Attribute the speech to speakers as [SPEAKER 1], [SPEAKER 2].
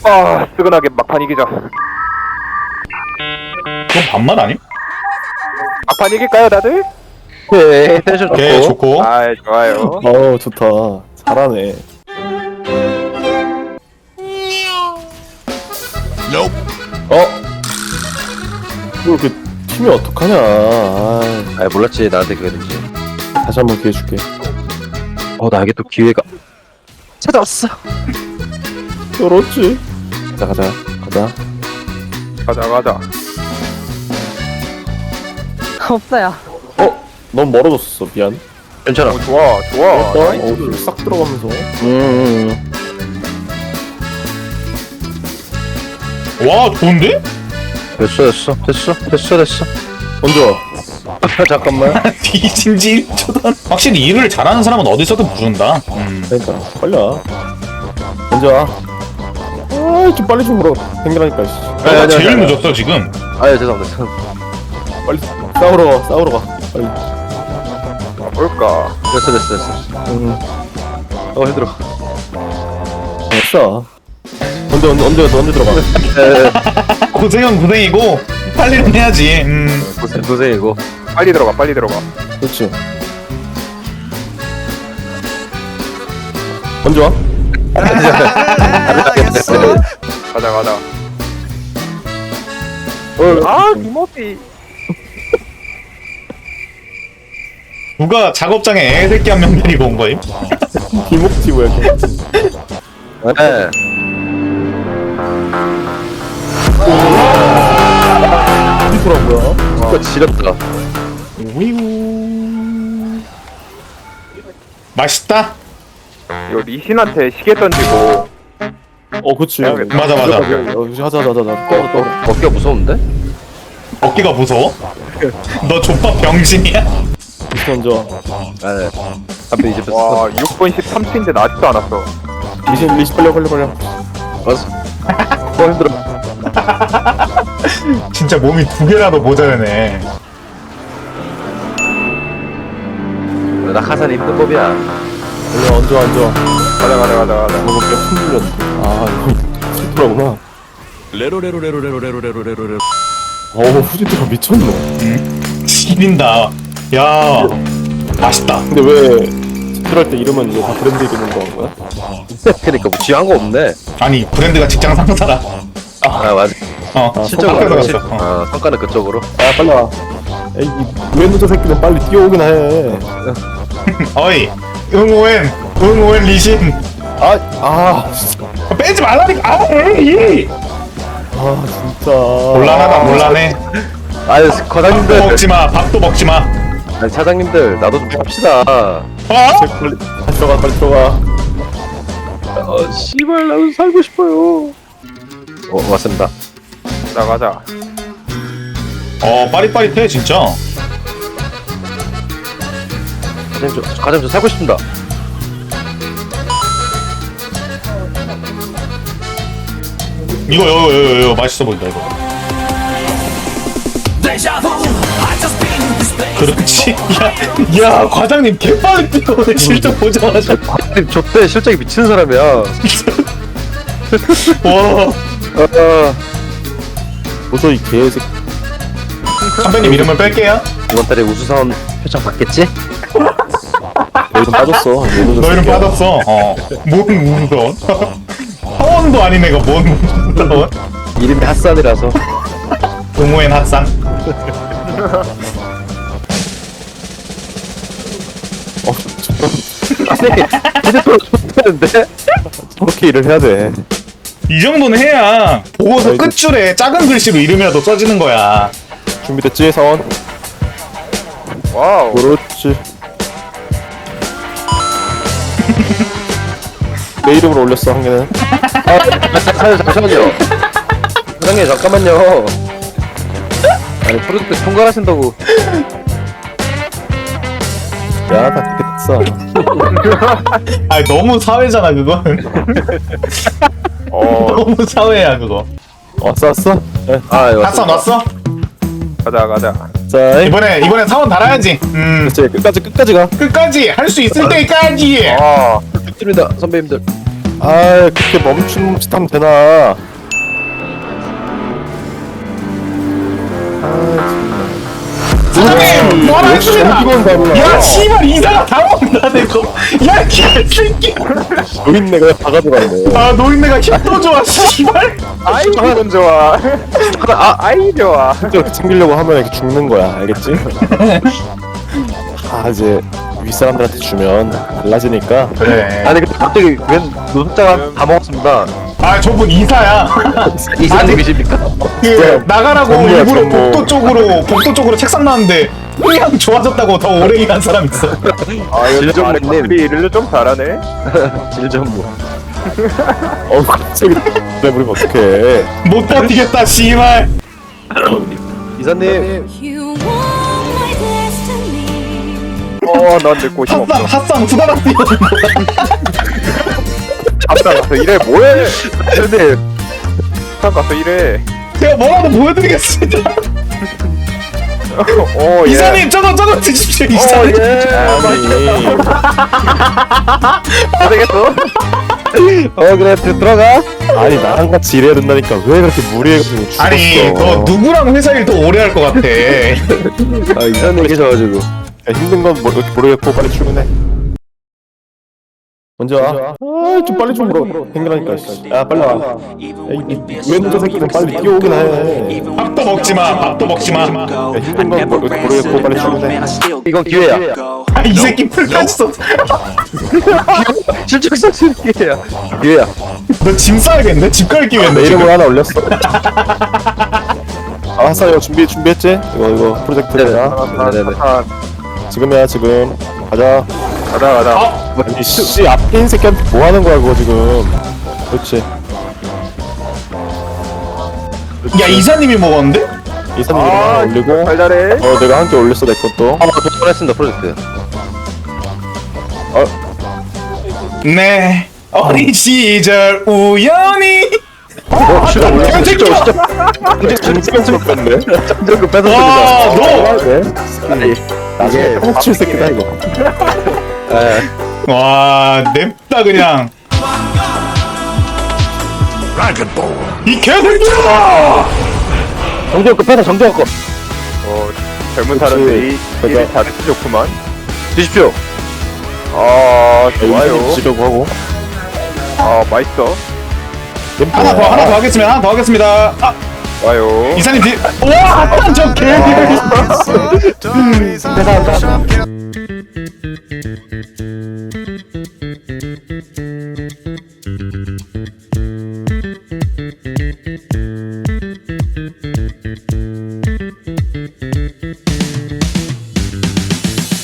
[SPEAKER 1] 아, 뜨끈하게 막판 이기자.
[SPEAKER 2] 그건 반말 아님?
[SPEAKER 1] 막판 이길까요, 다들?
[SPEAKER 3] 네, 텐션 좋고.
[SPEAKER 2] 오케이 좋고.
[SPEAKER 1] 아, 좋아요.
[SPEAKER 4] 좋다. 잘하네. 뭐 이렇게 팀이 어떡하냐.
[SPEAKER 3] 아, 몰랐지 나한테 그게 된지.
[SPEAKER 4] 다시 한번 기회 줄게.
[SPEAKER 3] 나에게 또 기회가 찾아왔어.
[SPEAKER 4] 그렇지. 가자.
[SPEAKER 1] 가자.
[SPEAKER 5] 없어요.
[SPEAKER 4] 넌 멀어졌어. 미안.
[SPEAKER 3] 괜찮아.
[SPEAKER 1] 좋아.
[SPEAKER 4] 나이스. 싹 들어가면서.
[SPEAKER 2] 와 좋은데?
[SPEAKER 3] 됐어.
[SPEAKER 4] 먼저.
[SPEAKER 3] 잠깐만.
[SPEAKER 2] 뒤진지 1초던. 확실히 일을 잘하는 사람은 어디서든 부른다.
[SPEAKER 4] 그러니까 빨리 와. 먼저 와. 좀 빨리 좀 물어. 생겨나니까. 씨.
[SPEAKER 2] 너가 제일 늦었어 지금.
[SPEAKER 3] 아유 죄송합니다.
[SPEAKER 4] 빨리 싸우러 가. 빨리.
[SPEAKER 1] 뭘까?
[SPEAKER 3] 됐어. 힘들어.
[SPEAKER 4] 됐어. 언제 들어가.
[SPEAKER 2] 고생이고 빨리는 해야지.
[SPEAKER 3] 고생이고.
[SPEAKER 1] 빨리 들어가.
[SPEAKER 4] 그렇지. 먼저 와.
[SPEAKER 1] 가자. 아, 김어비.
[SPEAKER 2] 누가 작업장에 애새끼 한 명 데리고 온 거임?
[SPEAKER 4] 김옥지 뭐야?
[SPEAKER 3] 네.
[SPEAKER 4] 어디더라고요?
[SPEAKER 3] 이거 지렸다.
[SPEAKER 2] 오이구. 맛있다.
[SPEAKER 1] 이거 리신한테 시계 던지고.
[SPEAKER 4] 그치.
[SPEAKER 1] 해야겠다.
[SPEAKER 2] 맞아.
[SPEAKER 4] 하자.
[SPEAKER 3] 어깨가 무서운데?
[SPEAKER 2] 어깨가 무서워? 너 족밥 병신이야?
[SPEAKER 4] 먼저.
[SPEAKER 3] 네. 앞에 이제
[SPEAKER 1] 와, 6분 13초인데 나 아직도 안 왔어.
[SPEAKER 4] 리신 빨리.
[SPEAKER 3] 알았어. 힘들어.
[SPEAKER 2] 진짜 몸이 두 개라도 모자라네.
[SPEAKER 3] 나 카산이 힘든 법이야.
[SPEAKER 4] 원래 언제 앉아.
[SPEAKER 1] 가자.
[SPEAKER 4] 먹을 게 흔들렸는데. 이거 슬프라구나.
[SPEAKER 6] 레로레로레로레로레로레로레로.
[SPEAKER 4] 후지트가 미쳤노.
[SPEAKER 2] 지린다. 야 맛있다.
[SPEAKER 4] 근데 왜 스트할 때 이름은 이제 다 브랜드 이름으로 한 거야?
[SPEAKER 3] 그니까 뭐 지한 거 없네.
[SPEAKER 2] 아니 브랜드가 직장 상사라.
[SPEAKER 3] 아 맞아. 실적으로
[SPEAKER 2] 성과가
[SPEAKER 3] 그렇지.
[SPEAKER 2] 갔어.
[SPEAKER 3] 성과는 그쪽으로.
[SPEAKER 4] 빨리 와. 에이, 이 웨누저 새끼는 빨리 뛰어오긴 해.
[SPEAKER 2] 어이 응오엔 리신. 빼지 말라니까.
[SPEAKER 4] 진짜.
[SPEAKER 2] 곤란해.
[SPEAKER 3] 아유 과장님들.
[SPEAKER 2] 밥도 먹지 마.
[SPEAKER 3] 아니 사장님들 나도 좀 합시다.
[SPEAKER 4] 빨리 들어가.
[SPEAKER 3] 씨발 나도 살고 싶어요. 맞습니다.
[SPEAKER 1] 가자.
[SPEAKER 2] 빠릿빠릿해 진짜.
[SPEAKER 3] 과장님 저 살고 싶습니다.
[SPEAKER 2] 이거 맛있어 보인다 이거. 그렇지. 야 과장님 개빠르게 뛰어오네. 실적 보자마자.
[SPEAKER 3] 과장님 저때 실적이 미치는 사람이야.
[SPEAKER 2] 와.
[SPEAKER 4] 도저히 개새끼.
[SPEAKER 2] 선배님 이름을 뺄게요.
[SPEAKER 3] 이번 달에 우수사원 표창 받겠지?
[SPEAKER 4] 너 이름 빠졌어.
[SPEAKER 2] 너 이름 빠졌어. 뭔 우선? 사원도 아닌 애가 뭔 우선?
[SPEAKER 3] 이름이 핫산이라서.
[SPEAKER 2] 동호엔 핫산.
[SPEAKER 3] 아니 이제도 좋다는데?
[SPEAKER 4] 저렇게 일을 해야 돼.
[SPEAKER 2] 이 정도는 해야 보고서
[SPEAKER 4] 아이고.
[SPEAKER 2] 끝줄에 작은 글씨로 이름이라도 써지는 거야.
[SPEAKER 4] 준비됐지, 사원?
[SPEAKER 1] 와우.
[SPEAKER 4] 그렇지. 내 이름으로 올렸어, 한 개는.
[SPEAKER 3] 잠시만요. 사장님 잠깐만요. 아니 프로젝트 총괄하신다고.
[SPEAKER 4] 야, 다 됐어.
[SPEAKER 2] 아니 너무 사회잖아 그건. 너무 사회야 그거.
[SPEAKER 4] 왔어? 네.
[SPEAKER 2] 핫산 왔어?
[SPEAKER 1] 가자.
[SPEAKER 4] 자,
[SPEAKER 2] 이번에 사원 달아야지.
[SPEAKER 4] 이제 끝까지 가.
[SPEAKER 2] 끝까지 할 수 있을 때까지.
[SPEAKER 1] 아,
[SPEAKER 3] 좋습니다 선배님들.
[SPEAKER 4] 아 그렇게 멈칫하면 되나?
[SPEAKER 2] 사장님 뭐라
[SPEAKER 4] 역시
[SPEAKER 2] 했습니다.
[SPEAKER 4] 정직원 다르다.
[SPEAKER 2] 야 씨발 이사가 다 먹는다 내거. 야 개새끼.
[SPEAKER 4] 노인네가 다 가져갔네.
[SPEAKER 2] 아 노인네가 힘도 좋아 씨발.
[SPEAKER 1] 아이 기분 좋아. 아이 좋아.
[SPEAKER 4] 진짜 그렇게 챙기려고 하면 이렇게 죽는 거야, 알겠지? 아 이제 윗사람들한테 주면 달라지니까.
[SPEAKER 2] 그래.
[SPEAKER 3] 아니 근데 갑자기 웬 노숙자가 다 먹었습니다.
[SPEAKER 2] 아 저분 이사야.
[SPEAKER 3] 이사님이십니까?
[SPEAKER 2] 그 나가라고
[SPEAKER 4] 전무야,
[SPEAKER 2] 일부러
[SPEAKER 4] 전무.
[SPEAKER 2] 복도 쪽으로 책상 놨는데 그냥 좋아졌다고 더 오래 일한 사람 있어.
[SPEAKER 1] 아 요즘
[SPEAKER 3] 질전무님.
[SPEAKER 1] 아랫사람들이 일을 좀 잘하네.
[SPEAKER 3] 질전무.
[SPEAKER 4] 갑자기 내버리면 어떡해.
[SPEAKER 2] 못 버티겠다 씨발.
[SPEAKER 3] 이사님.
[SPEAKER 5] You want my destiny.
[SPEAKER 1] 넌 늙고 힘 없어.
[SPEAKER 2] 핫상 수다락 뛰어.
[SPEAKER 1] 앞장 가서 일해 뭐해? 근데 앞장 가서 일해.
[SPEAKER 2] 제가 뭐라도 보여드리겠습니다.
[SPEAKER 1] 예.
[SPEAKER 2] 이사님 저거 드십시오 이사님.
[SPEAKER 4] 아니.
[SPEAKER 1] 안 되겠어?
[SPEAKER 4] 그래 들어가. 아니 나랑 같이 일해야 된다니까 왜 그렇게 무리해가지고 죽었어.
[SPEAKER 2] 아니 너 누구랑 회사 일 더 오래 할 것 같아.
[SPEAKER 3] 아 이사님 계셔가지고.
[SPEAKER 4] 야, 힘든 건 모르겠고 빨리 출근해. 먼저 와. 아좀 빨리 좀 물어. 생각하니까. 야 빨리 와. 야, 왜 혼자 새끼는 빨리 뛰어오긴 해.
[SPEAKER 2] 밥도 먹지 마. 밥도 먹지 마.
[SPEAKER 4] 야, 힘든 건 모르겠고 빨리 출근해.
[SPEAKER 3] 이건 기회야.
[SPEAKER 2] 아, 이 새끼 풀까지 썼어.
[SPEAKER 3] 실적상 기회야. 기회야.
[SPEAKER 2] 너 짐 싸야겠네. 집 갈
[SPEAKER 4] 내
[SPEAKER 2] 기회인데.
[SPEAKER 4] 이름을
[SPEAKER 2] 지금.
[SPEAKER 4] 하나 올렸어. 아 하사 이거 준비했지? 이거 프로젝트야.
[SPEAKER 3] 네네네.
[SPEAKER 4] 지금이야 지금. 가자.
[SPEAKER 1] 가자.
[SPEAKER 4] 아니 씨 앞에 있는 새끼한테 뭐 하는 거야 그거 지금. 그렇지.
[SPEAKER 2] 야 이사님이 먹었는데?
[SPEAKER 4] 이사님 이름 하나 올리고.
[SPEAKER 1] 잘잘해.
[SPEAKER 4] 내가 한 개 올렸어 내 것도.
[SPEAKER 3] 했습니다 프로젝트.
[SPEAKER 2] 네. 어린 시절 우연히.
[SPEAKER 3] 진짜
[SPEAKER 4] 진짜 뺐네.
[SPEAKER 3] 장전금
[SPEAKER 2] 와,
[SPEAKER 3] 뺏었습니다.
[SPEAKER 2] 너.
[SPEAKER 4] 네. 나중에 훔칠 새끼다 이거.
[SPEAKER 3] 예.
[SPEAKER 2] 와, 냅다 그냥. 이 개새끼야!
[SPEAKER 3] 정전금 뺏어 정전금.
[SPEAKER 1] 젊은
[SPEAKER 4] 그치.
[SPEAKER 1] 사람들이 일을
[SPEAKER 4] 그러니까.
[SPEAKER 1] 잘해서 좋구만.
[SPEAKER 3] 드십시오.
[SPEAKER 1] 좋아요.
[SPEAKER 4] 지려고 하고.
[SPEAKER 1] 맛있어.
[SPEAKER 2] 하나 더 하겠습니다. 하나 더 하겠습니다. 아,
[SPEAKER 1] 좋아요.
[SPEAKER 2] 이사님 뒤. 와, 저 개.